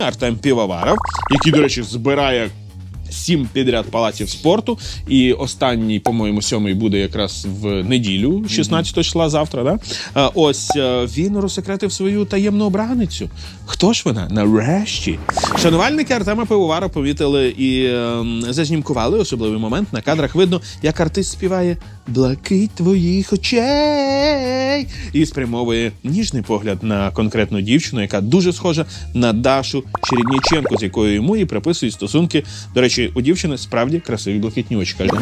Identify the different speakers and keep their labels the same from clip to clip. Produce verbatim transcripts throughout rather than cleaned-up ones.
Speaker 1: Артем Півоваров, який, до речі, збирає сім підряд палаців спорту. І останній, по-моєму, сьомий буде якраз в неділю, шістнадцятого числа, завтра. Да? А, ось він розсекретив свою таємну обраницю. Хто ж вона? Нарешті. Шанувальники Артема Пивоварова помітили і е, зазнімкували особливий момент. На кадрах видно, як артист співає «Блакить твоїх очей» і спрямовує ніжний погляд на конкретну дівчину, яка дуже схожа на Дашу Чередніченко, з якою йому і приписують стосунки. До речі, у дівчини справді красиві блакитні очі. Каже.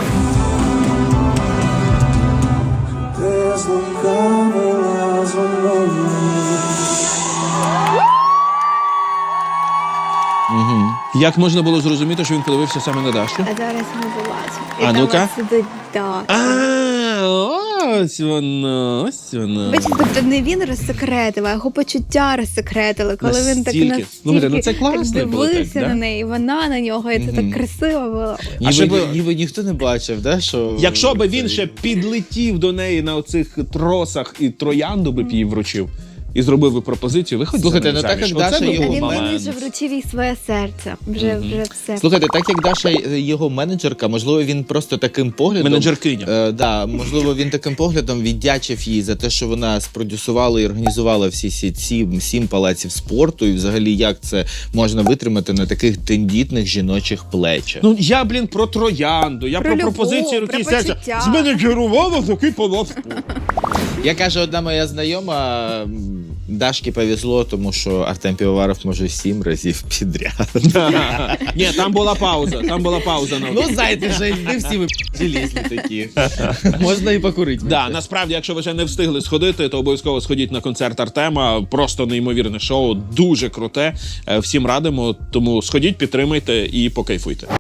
Speaker 1: Угу. Як можна було зрозуміти, що він подивився саме на Дашу?
Speaker 2: А зараз ми побачимо.
Speaker 1: А
Speaker 2: І там
Speaker 1: ну-ка.
Speaker 2: от сидить Даша.
Speaker 1: А, ось воно, ось воно.
Speaker 2: Бачите, тобто не він розсекретив, а його почуття розсекретили, коли він так
Speaker 1: Настільки.
Speaker 2: настільки
Speaker 1: Слухайте, ну це
Speaker 2: так
Speaker 1: класний був
Speaker 2: дивився
Speaker 1: так, да?
Speaker 2: на неї, вона на нього, і це так красиво було.
Speaker 3: Ніби,
Speaker 1: ще би-
Speaker 3: ніби ніхто не бачив, да, що...
Speaker 1: Якщо би він ще підлетів до неї на оцих тросах і троянду би б їй вручив, і зробив би пропозицію, виходь
Speaker 3: Слухайте,
Speaker 1: за мене
Speaker 3: ну так
Speaker 1: заміж.
Speaker 3: як Даша
Speaker 1: Оце би
Speaker 3: його
Speaker 1: був
Speaker 2: Він
Speaker 3: мама.
Speaker 1: момент.
Speaker 2: мені вже вручив їй своє серце. Вже, вже все.
Speaker 3: Слухайте, так як Даша його менеджерка, можливо, він просто таким поглядом...
Speaker 1: Менеджеркиня.
Speaker 3: Е, да, можливо, він таким поглядом віддячив їй за те, що вона спродюсувала і організувала всі ці сім, сім палаців спорту, і взагалі як це можна витримати на таких тендітних жіночих плечах.
Speaker 1: Ну, я, блін, про троянду, я про,
Speaker 2: Про любов,
Speaker 1: пропозиції руки
Speaker 2: про
Speaker 1: і серця.
Speaker 2: почуття.
Speaker 1: Зменеджерувала такий палац спорту.
Speaker 3: Я каже, одна моя знайома, м, Дашки повезло, тому що Артем Півоваров може сім разів підряд.
Speaker 1: Ні, там була пауза, там була пауза. на
Speaker 3: Ну, знаєте, вже не всі ви желізні такі. Можна і покурити.
Speaker 1: Да, насправді, якщо ви ще не встигли сходити, то обов'язково сходіть на концерт Артема. Просто неймовірне шоу, дуже круте. Е, Всім радимо, тому сходіть, підтримайте і покайфуйте.